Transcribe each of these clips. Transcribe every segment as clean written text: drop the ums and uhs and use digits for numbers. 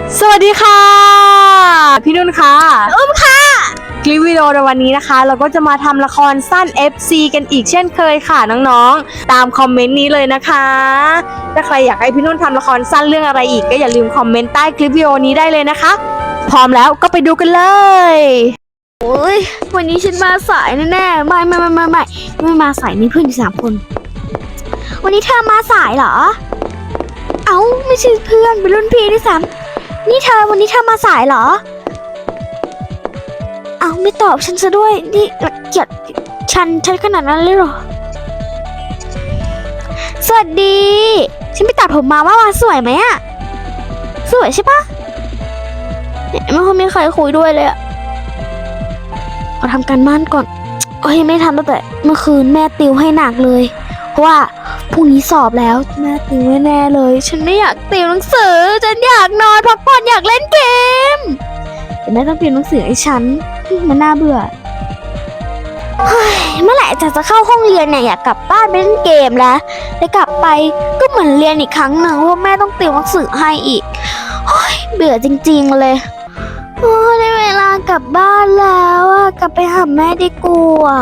สวัสดีค่ะพี่นุ่นค่ะค่ะคลิปวิดีโอในวันนี้นะคะเราก็จะมาทำละครสั้น FC กันอีกเช่นเคยค่ะน้องๆตามคอมเมนต์นี้เลยนะคะถ้าใครอยากให้พี่นุ่นทำละครสั้นเรื่องอะไรอีกก็อย่าลืมคอมเมนต์ใต้คลิปวิดีโอนี้ได้เลยนะคะพร้อมแล้วก็ไปดูกันเลยโอ้ยวันนี้ฉันมาสายแน่ๆไม่มาสายมีเพื่อนอยู่3 คนวันนี้เธอมาสายเหรอเอ้าไม่ใช่เพื่อนเป็นรุ่นพี่ด้วยซ้ำนี่เธอวันนี้เธอมาสายเหรอเอ้าไม่ตอบฉันซะด้วยนี่รังเกียจฉันขนาดนั้นเลยเหรอสวัสดีฉันไปตัดผมมาว่าสวยไหมอะสวยใช่ปะเนี่ยไม่ค่อยมีใครคุยด้วยเลยอะขอทำการบ้านก่อนโอ้ยไม่ทำตั้งแต่เมื่อคืนแม่ติวให้หนักเลยเพราะว่าพรุ่งนี้สอบแล้วแม่ติวแน่เลยฉันไม่อยากติวหนังสือฉันอยากนอนพักผ่อนอยากเล่นเกมแต่แม่ต้องติวหนังสือให้ฉันมันน่าเบื่อเฮ้ยเมื่อไหร่จะเข้าห้องเรียนเนี่ยอยากกลับบ้านไปเล่นเกมแล้วแต่กลับไปก็เหมือนเรียนอีกครั้งหนึ่งว่าแม่ต้องติวหนังสือให้อีกเฮ้ยเบื่อจริงๆเลยโอ้ได้เวลากลับบ้านแล้วอะกลับไปหาแม่ดีกว่า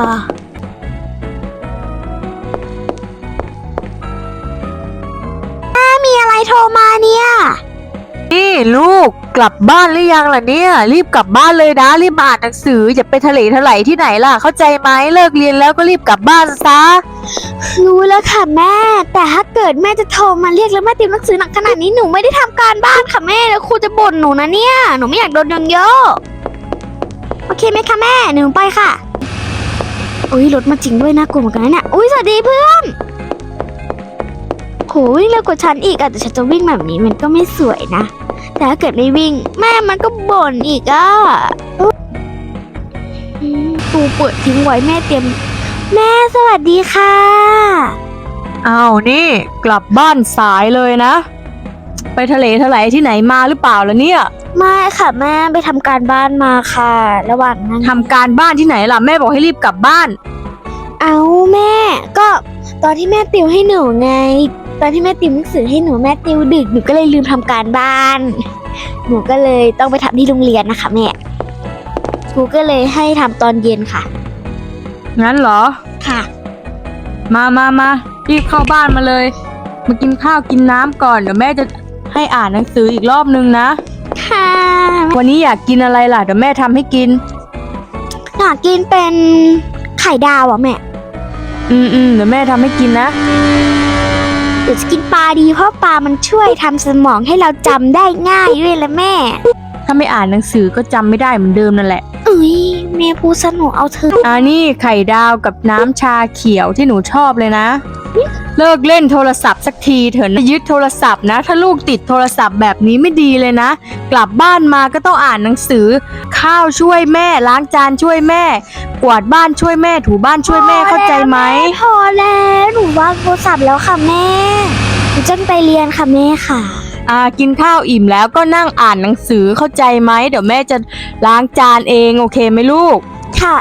แม่มีอะไรโทรมาเนี่ยนี่ลูกกลับบ้านหรือยังล่ะเนี่ยรีบกลับบ้านเลยนะรีบมาอ่านหนังสืออย่าไปทะเลทลายที่ไหนล่ะเข้าใจไหมเลิกเรียนแล้วก็รีบกลับบ้านซะรู้แล้วค่ะแม่แต่ถ้าเกิดแม่จะโทรมาเรียกแล้วแม่ติวหนังสือหนักขนาดนี้หนูไม่ได้ทำการบ้านค่ะแม่แล้วครูจะบ่นหนูนะเนี่ยหนูไม่อยากโดนเยอะโอเคไหมคะแม่หนูไปค่ะอุ้ยรถมาจริงด้วยน่ากลัวเหมือนกันนะเนี่ยอุ้ยสวัสดีเพื่อนโหวิ่งเร็วกว่าฉันอีกอะแต่ฉันจะวิ่งแบบนี้มันก็ไม่สวยนะแต่ถ้าเกิดไม่วิ่งแม่มันก็บ่นอีกอะตูเปิดทิ้งไว้แม่เตรียมแม่สวัสดีค่ะอ้าวนี่กลับบ้านสายเลยนะไปทะเลทลายที่ไหนมาหรือเปล่าล่ะเนี่ยไม่ค่ะแม่ไปทำการบ้านมาค่ะระหว่างนั้นทำการบ้านที่ไหนล่ะแม่บอกให้รีบกลับบ้านเอาแม่ก็ตอนที่แม่ติวให้หนูไงตอนที่แม่ติวหนังสือให้หนูแม่ติวดึกหนูก็เลยลืมทำการบ้านหนูก็เลยต้องไปทำที่โรงเรียนนะคะแม่ครูก็เลยให้ทำตอนเย็นค่ะงั้นเหรอค่ะมารีบเข้าบ้านมาเลยมากินข้าวกินน้ำก่อนเดี๋ยวแม่จะให้อ่านหนังสืออีกรอบนึงนะค่ะวันนี้อยากกินอะไรล่ะเดี๋ยวแม่ทำให้กินอยากกินเป็นไข่ดาวอ่ะแม่เดี๋ยวแม่ทำให้กินนะเดี๋ยวจะกินปลาดีเพราะปลามันช่วยทำสมองให้เราจำได้ง่ายด้วยละแม่ถ้าไม่อ่านหนังสือก็จำไม่ได้เหมือนเดิมนั่นแหละแม่พูดสนุกเอาเธอนี่ไข่ดาวกับน้ำชาเขียวที่หนูชอบเลยนะเลิกเล่นโทรศัพท์สักทีเถอะนะยึดโทรศัพท์นะถ้าลูกติดโทรศัพท์แบบนี้ไม่ดีเลยนะกลับบ้านมาก็ต้องอ่านหนังสือข้าวช่วยแม่ล้างจานช่วยแม่กวาดบ้านช่วยแม่ถูบ้านช่วยแม่เข้าใจไหมพอแล้วหนูวางโทรศัพท์แล้วค่ะแม่หนูจะไปเรียนค่ะแม่ค่ะกินข้าวอิ่มแล้วก็นั่งอ่านหนังสือเข้าใจไหมเดี๋ยวแม่จะล้างจานเองโอเคไหมลูกค่ะ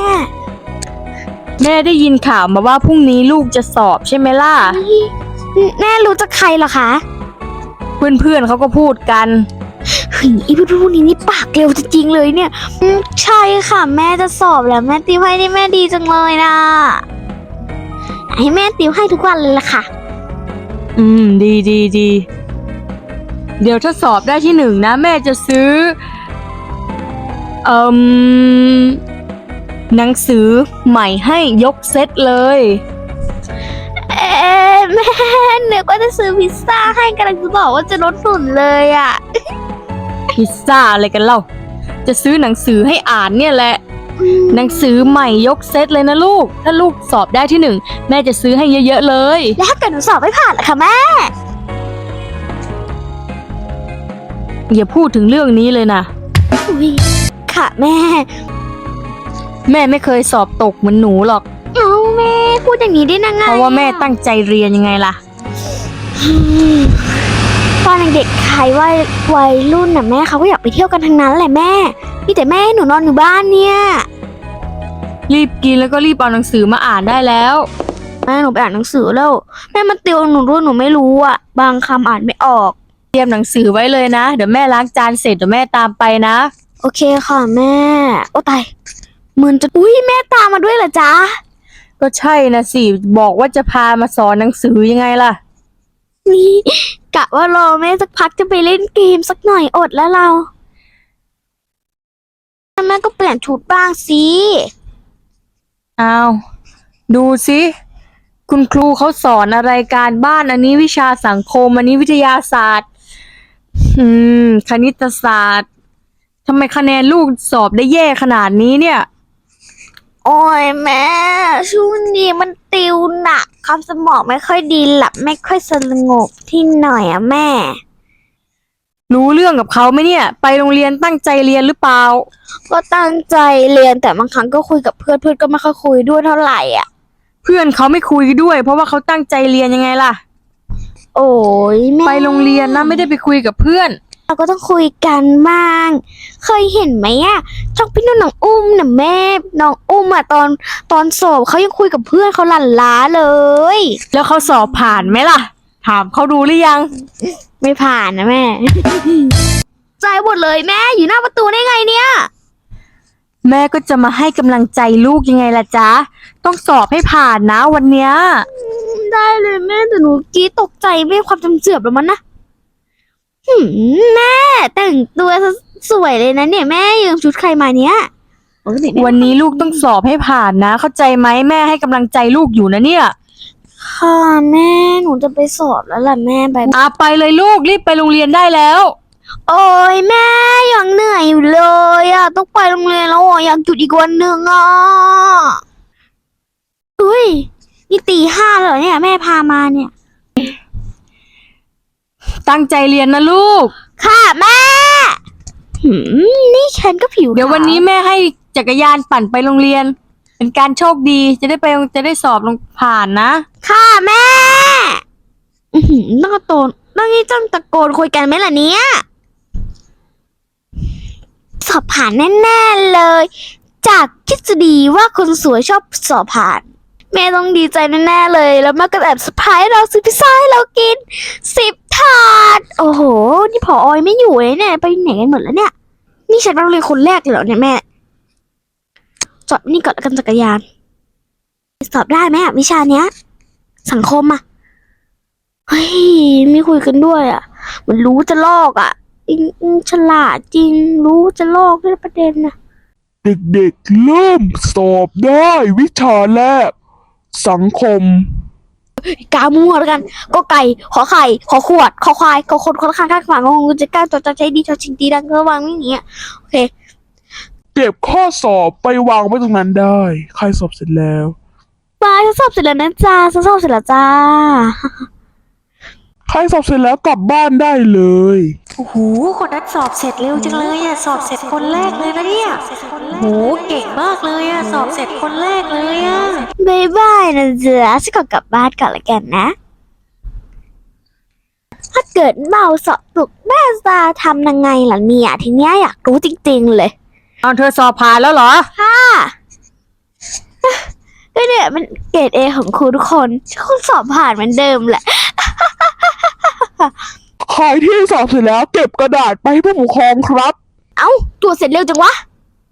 แม่ได้ยินข่าวมาว่าพรุ่งนี้ลูกจะสอบใช่ไหมล่ะแม่รู้จักใครเหรอคะเพื่อนเขาก็พูดกันเฮ้ยไอ้พวกนี้นี่ปากเร็วจริงๆเลยเนี่ยใช่ค่ะแม่จะสอบแล้วแม่ติวให้นี่แม่ดีจังเลยนะให้แม่ติวให้ทุกวันเลยล่ะค่ะดีเดี๋ยวถ้าสอบได้ที่1นะแม่จะซื้อหนังสือใหม่ให้ยกเซตเลยแม่นึกว่าจะซื้อพิซซ่าให้กำลังจะบอกว่าจะลดฝุ่นเลยอ่ะพิซซ่าอะไรกันเล่าจะซื้อหนังสือให้อ่านเนี่ยแหละหนังสือใหม่ยกเซตเลยนะลูกถ้าลูกสอบได้ที่1แม่จะซื้อให้เยอะๆเลยแล้วถ้าเกิดหนูสอบไม่ผ่านล่ะคะแม่อย่าพูดถึงเรื่องนี้เลยนะค่ะแม่ไม่เคยสอบตกเหมือนหนูหรอกแม่พูดอย่างนี้ได้ยังไงเพราะว่าแม่ตั้งใจเรียนยังไงล่ะตอนเด็กๆใครว่าวัยรุ่นน่ะแม่เขาก็อยากไปเที่ยวกันทั้งนั้นแหละแม่มีแต่แม่ให้หนูนอนอยู่บ้านเนี่ยรีบกินแล้วก็รีบเอาหนังสือมาอ่านได้แล้วแม่หนูไปอ่านหนังสือแล้วแม่มาติวหนูด้วยหนูไม่รู้อ่ะบางคำอ่านไม่ออกเตรียมหนังสือไว้เลยนะเดี๋ยวแม่ล้างจานเสร็จเดี๋ยวแม่ตามไปนะโอเคค่ะแม่ โอ้ตายมืนจะอุ้ยแม่ตามมาด้วยเหรอจ๊ะก็ใช่นะสิบอกว่าจะพามาสอนหนังสือยังไงล่ะนี่กะว่ารอแม่สักพักจะไปเล่นเกมสักหน่อยอดแล้วเราแม่ก็เปลี่ยนชุดบ้างสิอ้าวดูสิคุณครูเขาสอนอะไรการบ้านอันนี้วิชาสังคมอันนี้วิทยาศาสตร์ คณิตศาสตร์ทำไมคะแนนลูกสอบได้แย่ขนาดนี้เนี่ยโอ้ยแม่ช่วงนี้มันติวหนักความสมองไม่ค่อยดีหลับไม่ค่อยสงบที่หน่อยอะแม่รู้เรื่องกับเขาไหมเนี่ย ไปโรงเรียนตั้งใจเรียนหรือเปล่าก็ตั้งใจเรียนแต่บางครั้งก็คุยกับเพื่อนเพื่อนก็ไม่ค่อยคุยด้วยเท่าไหร่อ่ะเพื่อนเขาไม่คุยด้วย เพราะว่าเขาตั้งใจเรียนยังไงล่ะโอ้ยแม่ไปโรงเรียนนะไม่ได้ไปคุยกับเพื่อนเราก็ต้องคุยกันบ้าง เคยเห็นไหมอ่ะช่องพี่นุ่นน้องอุ้มน่ะแม่น้องอุ้มอ่ะตอนสอบเขายังคุยกับเพื่อนเขาหลั่นล้าเลยแล้วเขาสอบผ่านไหมล่ะ ถามเขาดูหรือยังไม่ผ่านนะแม่ ใจหมดเลยแม่อยู่หน้าประตูได้ไงเนี่ยแม่ก็จะมาให้กำลังใจลูกยังไงล่ะจ๊ะ ต้องสอบให้ผ่านนะวันเนี้ยได้เลยแม่แต่หนูกี้ตกใจแม่ความจำเสื่อมแล้วมันนะแม่แต่งตัวสวยเลยนะเนี่ยแม่ยืมชุดใครมาเนี่ยปกติแม่วันนี้ลูกต้องสอบให้ผ่านนะ เข้าใจไหมแม่ให้กำลังใจลูกอยู่นะเนี่ยค่ะแม่หนูจะไปสอบแล้วล่ะแม่ไปไปเลยลูกรีบไปโรงเรียนได้แล้วโอ้ยแม่ยังเหนื่อยอยู่เลยอ่ะต้องไปโรงเรียนแล้วอ่ะอยากหยุดอีกวันหนึ่งอ่ะอุ้ยนี่ตี 5แล้วเหรอเนี่ยแม่พามาเนี่ยตั้งใจเรียนนะลูกค่ะแม่นี่ฉันก็ผิวเดี๋ยววันนี้แม่ให้จักรยานปั่นไปโรงเรียน เป็นการโชคดีจะได้สอบลงผ่านนะค่ะแม่ต้องตะโกนต้องตะโกนคุยกันไหมล่ะเนี่ยสอบผ่านแน่ๆเลย จากทฤษฎีว่าคนสวยชอบสอบผ่าน แม่ต้องดีใจแน่ๆเลย แล้วแม่ก็แอบเซอร์ไพรส์เราซื้อพิซซ่าให้เรากิน10 ถาด โอ้โห นี่ผออยไม่อยู่เลยเนี่ยไปไหนกันหมดแล้วเนี่ย นี่ฉันมาโรงเรียนคนแรกเลยเหรอเนี่ยแม่จอดนี่ก่อนแล้วกันจักรยาน สอบได้ไหมอะวิชาเนี้ย สังคมอะเฮ้ยไม่คุยกันด้วยอะมันรู้จะลอกอะฉลาดจริงรู้จะลอกด้วยประเด็นนะเด็กๆเริ่มสอบได้วิชาแรก สังคมกามั่วแล้วกันก็ไก่ขอไข่ขอขวดขอควายขอคนคนข้างข้างขวางงงจะกล้าจดจำใช้ดีชอชิงดีดังระวังอย่างเงี้ยโอเคเก็บข้อสอบไปวางไว้ตรงนั้นได้ ใครสอบเสร็จแล้วบายฉันสอบเสร็จแล้วนะจ้าฉันสอบเสร็จแล้วจ้าใครสอบเสร็จแล้วกลับบ้านได้เลยโอ้โหคนนั้นสอบเสร็จเร็วจังเลยอะสอบเสร็จคนแรกเลยนะเนี่ยโหเก่งมากเลยอะสอบเสร็จคนแรกเลยอะบายบายนะจ๊ะฉันขอกลับบ้านก่อนละกันนะ ถ้าเกิดเมาสอบตกแม่จะทำยังไงล่ะเนี่ยทีเนี้ยอยากรู้จริงๆเลยเอาเธอสอบผ่านแล้วเหรอค่ะก็เนี่ยมันเกรด A ของครูทุกคนสอบผ่านเหมือนเดิมแหละใครที่สอบเสร็จแล้วเก็บกระดาษไปให้ผู้ปกครองครับเอ้าตรวจเสร็จเร็วจังวะ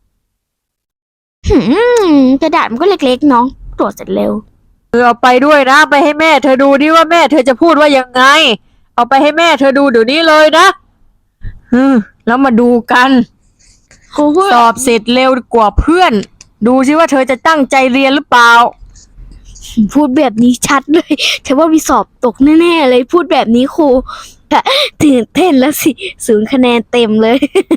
กระดาษมันก็เล็กๆน้องตรวจเสร็จเร็วเธอเอาไปด้วยนะไปให้แม่เธอดูดิว่าแม่เธอจะพูดว่ายังไง เอาไปให้แม่เธอดูเดี๋ยวนี้เลยนะแล้วมาดูกัน สอบเสร็จเร็วกว่าเพื่อน ดูสิว่าเธอจะตั้งใจเรียนหรือเปล่าพูดแบบนี้ชัดเลยฉันว่ามีสอบตกแน่ๆเลยพูดแบบนี้ครูตื่นเต้นแล้วสิ0 คะแนนเต็มเลย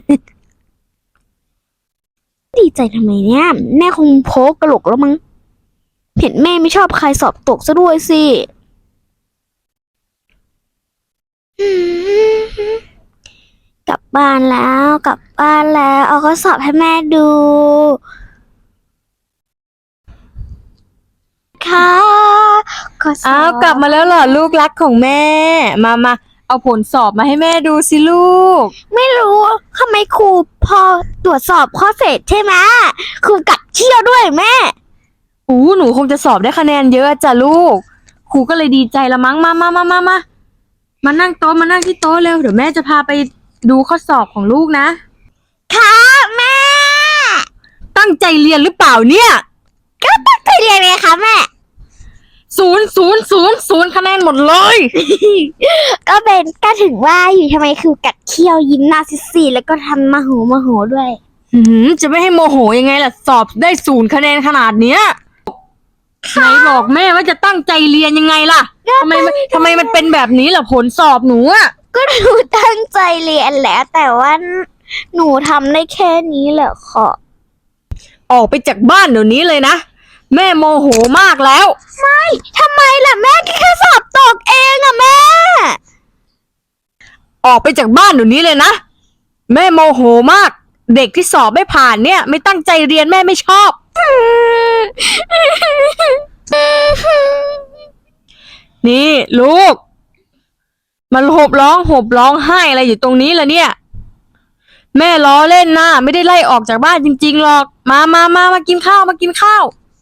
ดีใจทำไมเนี่ยแม่คงโพกกระโหลกแล้วมั้งเห็นแม่ไม่ชอบใครสอบตกซะด้วยสิกลับบ้านแล้วเอาข้อสอบให้แม่ดูค่ะข้อสอบอ้าวกลับมาแล้วเหรอลูกรักของแม่ มาเอาผลสอบมาให้แม่ดูสิลูกไม่รู้ทำไมครูพอตรวจสอบข้อเสร็จใช่ไหมครูกัดเขี้ยวด้วยแม่หนูคงจะสอบได้คะแนนเยอะจ้ะลูก ครูก็เลยดีใจละมั้งมามานั่งโต๊ะมานั่งที่โต๊ะเร็วเดี๋ยวแม่จะพาไปดูข้อสอบของลูกนะค่ะแม่ตั้งใจเรียนหรือเปล่าเนี่ยก็ตั้งใจเรียนไงคะแม่ 0 คะแนนหมดเลยก็ถึงว่าอยู่ทำไมคือกัดเคี้ยวยิ้มหน้าซีดๆแล้วก็ทำมาโหด้วยจะไม่ให้โมโหยังไงล่ะสอบได้0 คะแนนขนาดเนี้ยไหนบอกแม่ว่าจะตั้งใจเรียนยังไงล่ะทำไมมันเป็นแบบนี้ล่ะผลสอบหนูอะก็หนูตั้งใจเรียนแล้วแต่ว่าหนูทำได้แค่นี้แหละค่ะออกไปจากบ้านเดี๋ยวนี้เลยนะแม่โมโหมากแล้วทำไมล่ะแม่แค่สอบตกเองอะแม่ออกไปจากบ้านเดี๋ยวนี้เลยนะแม่โมโหมาก เด็กที่สอบไม่ผ่านเนี่ย ไม่ตั้งใจเรียนแม่ไม่ชอบ นี่ลูกมันหบร้องไห้อะไรอยู่ตรงนี้ล่ะเนี่ย แม่ล้อเล่นนะไม่ได้ไล่ออกจากบ้านจริงๆหรอกมากินข้าวมากินข้าว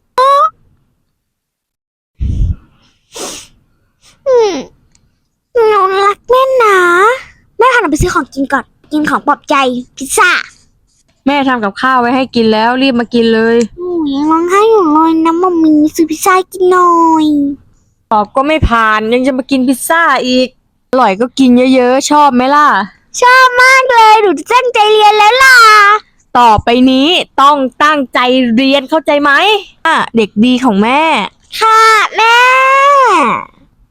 หนูรักแม่นะแม่พาหนูไปซื้อของกินก่อนกินของปลอบใจพิซซ่าแม่ทำกับข้าวไว้ให้กินแล้วรีบมากินเลยยังร้องไห้อยู่เลยนะมัมมี่ซื้อพิซซ่ากินหน่อยสอบก็ไม่ผ่านยังจะมากินพิซซ่าอีกอร่อยก็กินเยอะๆชอบไหมล่ะชอบมากเลยหนูจะตั้งใจเรียนแล้วล่ะต่อไปนี้ต้องตั้งใจเรียนเข้าใจไหมเด็กดีของแม่ค่ะแม่